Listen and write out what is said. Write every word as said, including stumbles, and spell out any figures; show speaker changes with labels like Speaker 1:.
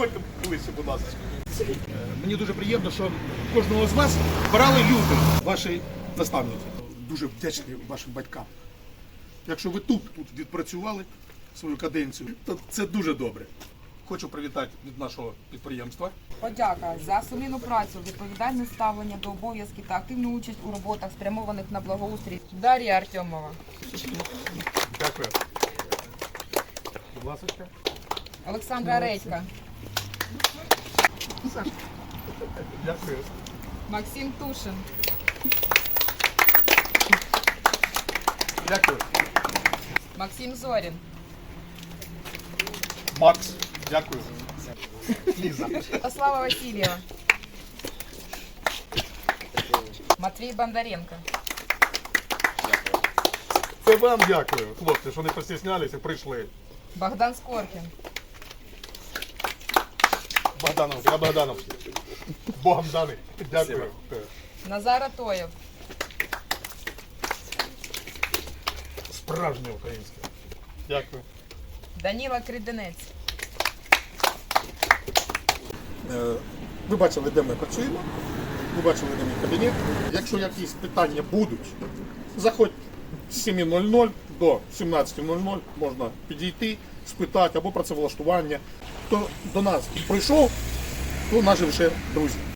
Speaker 1: Підходьте ближче, будь ласка. Мені дуже приємно, що кожного з вас брали люди, ваші наставники. Дуже вдячний вашим батькам. Якщо ви тут, тут відпрацювали свою каденцію, то це дуже добре. Хочу привітати від нашого підприємства.
Speaker 2: Подяка за сумлінну працю, відповідальне ставлення до обов'язків та активну участь у роботах, спрямованих на благоустрій. Дар'я Артемова.
Speaker 1: Дякую. Будь ласка.
Speaker 2: Олександра Редька.
Speaker 1: Дякую.
Speaker 2: Максим Тушин.
Speaker 1: Дякую.
Speaker 2: Максим Зорін.
Speaker 1: Макс, дякую. Ліза.
Speaker 2: Слава Васильєва. Матвій Бондаренко.
Speaker 1: Це вам дякую, хлопці, що не постіснялися, прийшли.
Speaker 2: Богдан Скоркін.
Speaker 1: Богданов, я Богданов. Богом даний. Дякую.
Speaker 2: Назар Атоєв.
Speaker 1: Справжнє українське. Дякую.
Speaker 2: Даніла Криденець.
Speaker 1: Ви бачили, де ми працюємо, ви бачили, де мій кабінет. Якщо якісь питання будуть, заходь з семи нуль нуль до сімнадцяти нуль нуль, можна підійти, спитати або працевлаштування. Хто до нас прийшов, то наші вже друзі.